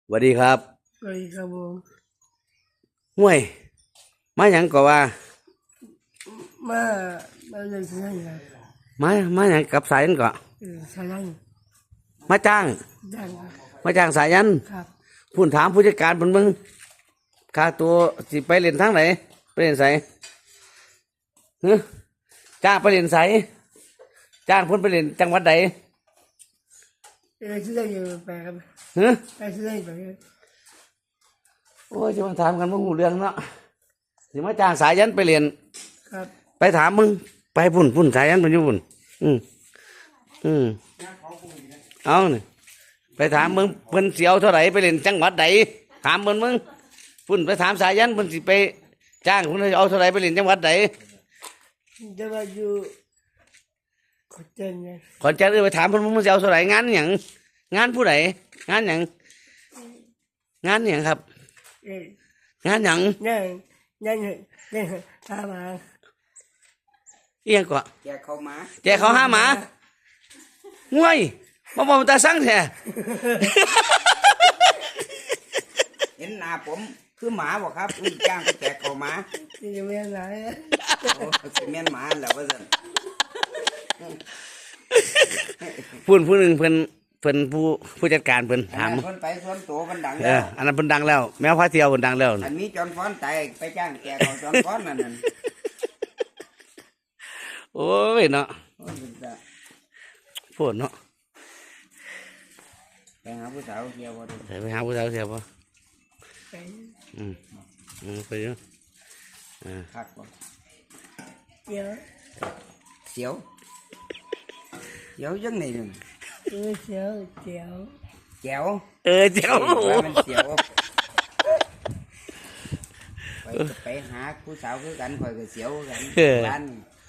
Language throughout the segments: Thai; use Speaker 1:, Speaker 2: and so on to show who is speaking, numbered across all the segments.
Speaker 1: สวัสดีครับ
Speaker 2: สวัสดีครับผม
Speaker 1: ห่วยมาหยังก็ว่า
Speaker 2: มามาเลยใช่ไหม
Speaker 1: มาหยังกับสายันก็
Speaker 2: ใช่ไหม
Speaker 1: มาจ้าง
Speaker 2: ดัง
Speaker 1: มาจ้างสายัน
Speaker 2: ครับ
Speaker 1: พูดถามผู้จัดการเพิ่นเบิ่งค่าตัวสิไปเล่นทางไหนไปเล่นไสฮะจ้างไปเล่นไสจ้างเพิ่นไปเล่นจังหวัดใด
Speaker 2: ชื่ออะไรไปครับ
Speaker 1: ฮะ
Speaker 2: ชื่ออะไรไป
Speaker 1: โอ้ยจะมาถามกันบ่ฮู้เรื่องเนาะสิมาจ้างสายันไปเล่น
Speaker 2: ครับ
Speaker 1: ไปถามมึงไปพุ่นสายันเพิ่นอยู่พุ่นอืมเอานี่ไปถามมึงเพิ่นสิเอาเท่าไหร่ไปเล่นจังหวัดใดถามมึงพุ่นไปถามสายันเพิ่นสิไปจ้างเพิ่นเอาเท่าไหร่ไปเล่นจังหวัดใด
Speaker 2: จะมาอยู่ขอนแก่นไง
Speaker 1: ขอนแก่นไปถามเพิ่นมึงสิเอาเท่าไหร่งานหยังงานผู้ใดงานหยังงานหยังครับงานหยัง
Speaker 2: นั่นตามา
Speaker 1: เอียงก็
Speaker 3: แจกเขาหมา
Speaker 1: แจกเขาหาหมาง่วยบ่บ่ตาสั่งแท้
Speaker 3: เห็นหน้าผมคือหมาบอกครับจ้างไปแจกเขาหมา
Speaker 2: ที่จะไม่อะไร
Speaker 3: โอ้สิแม่นหมาแล้วว่าซั่น
Speaker 1: ผู้หนึ่งเพิ่นผู้จัดการเพิ่นถาม
Speaker 3: เพิ่นไปสวนโตเพิ่นดัง
Speaker 1: แล้วอันนั้นเพิ่นดังแล้วแมวพาเที่ยวเพิ่นดังแล้ว
Speaker 3: อันนี้จอนฟ้อนตายไปจ้างแจกเขาจอนฟ้อนนั่น
Speaker 1: โอ้ยเนาะพูดเนาะ
Speaker 3: ไปหาผู้สาวเที่ยวบ่
Speaker 1: ไปหาผู้สาวเที่ยวบ่
Speaker 2: ไป
Speaker 1: ไปเนาะ
Speaker 3: คักบ่
Speaker 2: เดี๋ยว
Speaker 3: เสียวจังไหนนึง
Speaker 2: เสียว
Speaker 3: แจ๋ว
Speaker 1: เจ้า
Speaker 3: มันเสียวไปหาผู้สาวคือกันข่อยก็เสียวกันบ้าน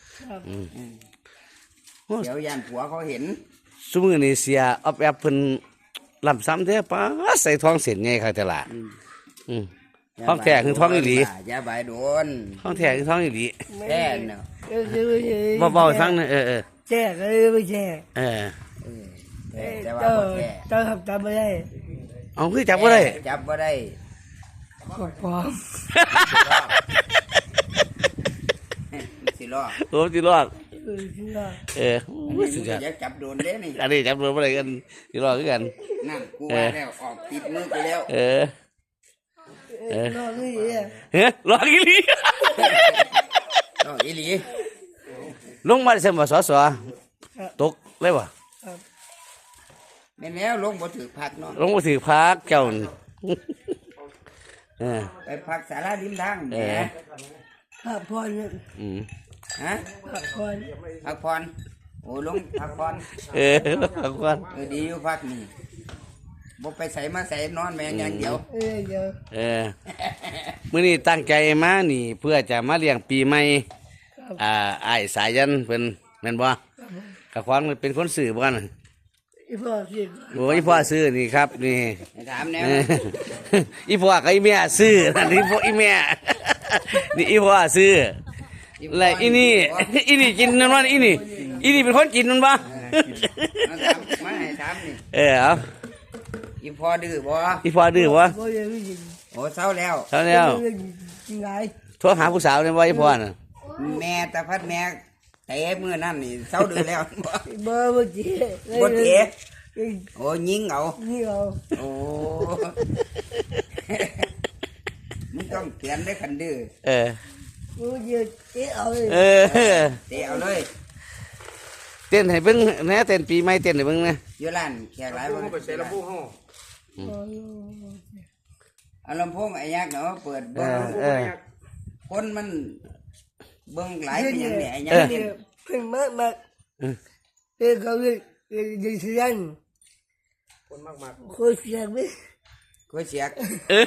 Speaker 3: เสียวย่านผัวเขาเห็น
Speaker 1: ซุมื้อนี้เสียออบแอบเพิ่นลำซ้ำแท้ป้าใส่ทองเส้นใหญ่คักแต่ละทองแท้คือทองอีหลี
Speaker 3: อย่าบายโดน
Speaker 1: ทองแท้คือทองอีหลี
Speaker 3: แท้เนาะ
Speaker 1: เบาๆฟังนะ
Speaker 2: แจ้ไม่แจ้
Speaker 3: แต่ว่าบ่แท้
Speaker 2: ต้องทำตามไม่ได้
Speaker 1: เอาคือจับบ่ได้
Speaker 3: จับบ่ได้
Speaker 2: กดพร้อม
Speaker 3: สิรอด
Speaker 1: โอ้สิรอด
Speaker 3: สุดยอดอยากจับโดนเด้นี่
Speaker 1: อันนี้จับโดนบ่ได้กันสิรอดคือกัน
Speaker 3: นั่นกูว่าแล้วออกติดมือไปแล้ว
Speaker 2: รอนี่
Speaker 1: รออีหลี
Speaker 3: รออีหลี
Speaker 1: ลงมาเสมอสอตกเลยบ่
Speaker 3: แม่นแล้วลงบ่ถือพักเนาะ
Speaker 1: ลงบ่ถือพักเจ้า
Speaker 3: ไปพักศาลาริมทางแหม
Speaker 2: พักผ่อน
Speaker 3: ฮะ
Speaker 2: พัก
Speaker 3: ผ่อนโอ้ลงพักผ่อน
Speaker 1: พักผ่อน
Speaker 3: ดีอยู่พักนี่บ่ไปใส่มาใส่นอนแม่งอย่างเดียว
Speaker 1: มื้อนี้ตั้งใจมานี่เพื่อจะมาเลี้ยงปีใหม่อ้ายสายันเพิ่นแม่นบ่กะควางเป็นคนซื้อบ่กัน
Speaker 2: อีพ่อซื้อ
Speaker 1: โอ้ยพ่อซื้อนี่ครับนี่
Speaker 3: ถามแนว
Speaker 1: อีพ่อกับอีแม่ซื้อนี่พ่ออีแม่นี่อีพ่อซื้อแล้วอีนี่กินนั่นว่าอีนี่เป็นคนกินนั่นบ่
Speaker 3: มาให้ถามนี่
Speaker 1: เอา
Speaker 3: อีพ่อดื้อบ่
Speaker 1: อีพ่อดื้อบ่
Speaker 3: โอ้เศร้าแล้ว
Speaker 1: โทรหาผู้สาวเนี่ยว่าอีพ่อน่ะ
Speaker 3: แม่ตาพัดแม่เตะมือนั่นนี่เศร้าดื้อแล้ว
Speaker 2: บ่เจ๊
Speaker 3: โอ้ยิงเอาโอ้มึงต้องเขียนได้คันดื้อ
Speaker 2: มึงจะเตะเอาเลย
Speaker 3: เตะเอาเลย
Speaker 1: เต้นให้เบิ่งแหน่เต้นปีใหม่เต้นให้เบิ่งนะ
Speaker 3: อยู่ร้านแขกหลายบ่
Speaker 4: ไปใส่ลำโพงเฮา
Speaker 3: เอาลำโพงไอ้ยักษ์เนาะเปิดเบิ่งคนมันเบิ่งหลายเป็นอย่างนี้ไอ้ยักษ์
Speaker 2: เพิ่งมาเขาจะเสียง
Speaker 4: คนมาก
Speaker 2: คนเสียงไหม
Speaker 3: คนเสียง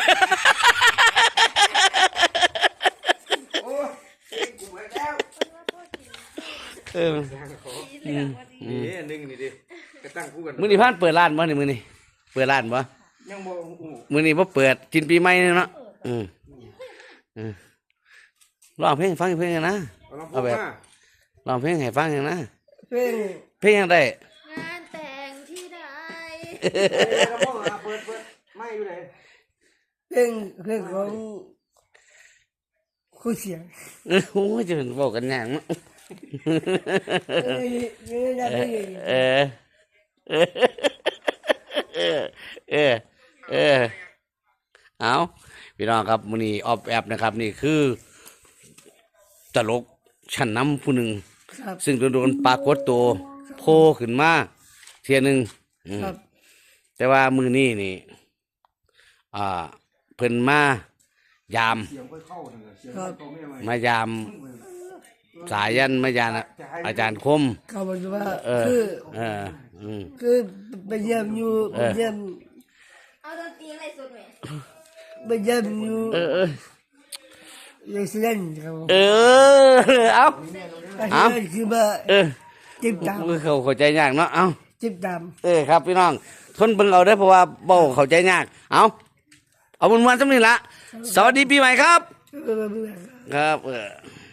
Speaker 3: โอ้กูเหมือนแล้ว
Speaker 4: นึงนี่ดิกระตั้งคู่กัน
Speaker 1: มื้อนี้พานเปิดร้านบ่นี่มื้อนี้เปิดร้านบ่
Speaker 4: ยังบ่
Speaker 1: มื้อนี้บ่เปิดกินปีใหม่เนาะร้องเพลงฟังเพลงนะเอาแบบร้องเพลงให้ฟังอย่างนะเพลงยังได้
Speaker 5: งานแต่งที่ใด
Speaker 4: ลำโพงเปิดไม่อยู่ไหน
Speaker 2: เป็นของคู่เสียง
Speaker 1: โอ้ยจะเป็นบอกกันอย่างมั้ง
Speaker 2: ไม่ได้ไม่ได้
Speaker 1: เออเออเออเอาพี่น้องครับมื้อนี้ออฟแอบนะครับ นี่คือตลกชั้นนำผู้หนึ่ง
Speaker 2: ครับ
Speaker 1: ซึ่งโดนปรากฏตัวโผล่ขึ้นมาเทียหนึงอืม
Speaker 2: ครับ
Speaker 1: แต่ว่ามือนี้นี่อ่าเพิ่นมายาม
Speaker 4: เสียงค่อยเข้านั่นแหละเสียง
Speaker 2: ครับ
Speaker 4: เข้าไม่ไหว
Speaker 1: มายามสายันมายามอาจารย์คม
Speaker 2: เขาบอกว่า
Speaker 1: เออ
Speaker 2: คือ
Speaker 1: เอออืม
Speaker 2: คือไปเยี่ยมอยู่ไปเยี่ยม
Speaker 5: เอาดนตรีอะไรสุดไหม
Speaker 2: ไปเยี่ยมอยู่
Speaker 1: เออเออ
Speaker 2: อยู่เซนครับ
Speaker 1: เออเอา
Speaker 2: แต่
Speaker 1: เอา
Speaker 2: ที่คือว่า
Speaker 1: เออ
Speaker 2: จิบตาม
Speaker 1: เข้าใจยากเนาะเอา
Speaker 2: จิบตาม
Speaker 1: เออครับพี่น้องทนเบิ่งเอาได้อเพราะว่าเบ้าเข้าใจยากเอามวนๆสำนี้ละสวัสดีปีใหม่ครับ
Speaker 2: เออ
Speaker 1: ครับ